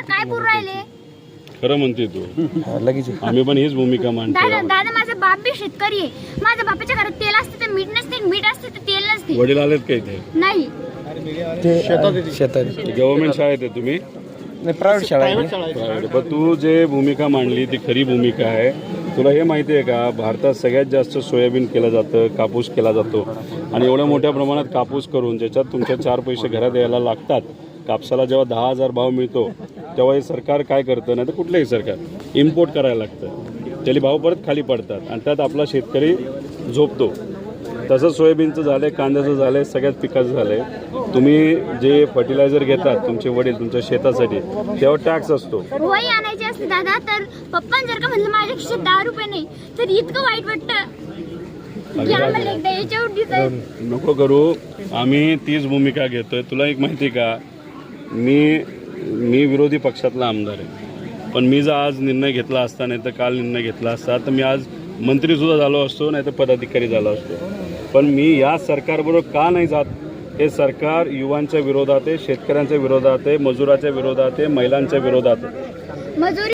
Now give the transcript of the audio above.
तुम्हाला काय बोलू राहिले? खरं म्हणते तू लगेच आम्ही पण हीच भूमिका मांडतो. दादा माझा बाप बी शेतकरी आहे. माझ्या बापाच्या घरात तेल असते तर मीठ नसते, मीठ असते तर तेल नसते. वडील आलेत का इथे? नाही शेतात गव्हर्नमेंट शाळेत आहे तुम्ही? नाही प्रायव्हेट शाळा आहे. Private. पण तू जे भूमिका मांडली ती खरी भूमिका आहे. तुला हे माहिती आहे का, भारतात सगळ्यात जास्त सोयाबीन केलं जातं, कापूस केला जातो आणि एवढ्या मोठ्या प्रमाणात कापूस करून ज्याच्यात तुमच्या 4 पैसे घरात यायला लागतात. कापसाला जेव्हा 10,000 भाव मिळतो तेव्हा हे सरकार काय करतं, नाही तर कुठलंही सरकार इम्पोर्ट करायला लागतं. त्याला भाव परत खाली पडतात आणि त्यात आपला शेतकरी झोपतो. तसंच सोयाबीनचं झालं आहे, कांद्याचं झालं आहे, सगळ्याच पिकाचं झालं आहे. तुम्ही जे फर्टिलायझर घेतात तुमचे वडील तुमच्या शेतासाठी तेव्हा टॅक्स असतो. वही आणायची असते दादा, तर पप्पान जर का म्हणलं माझ्या खिशात 10 रुपये नाही तर इतकं वाईट वाटतं की आम्हाला एकदा याच्यावर दिसायचं. नको करू, आम्ही तीच भूमिका घेतोय. तुला एक माहिती का, मी विरोधी पक्षातला आमदार आहे, पण मी जर आज निर्णय घेतला असता नाही तर काल निर्णय घेतला असता तर मी आज मंत्रीसुद्धा झालो असतो, नाही तर पदाधिकारी झालो असतो. पण मी या सरकारबरोबर का नाही जात? हे सरकार युवांच्या विरोधात आहे, शेतकऱ्यांच्या विरोधात आहे, मजुराच्या विरोधात आहे, महिलांच्या विरोधात आहे. मजुरी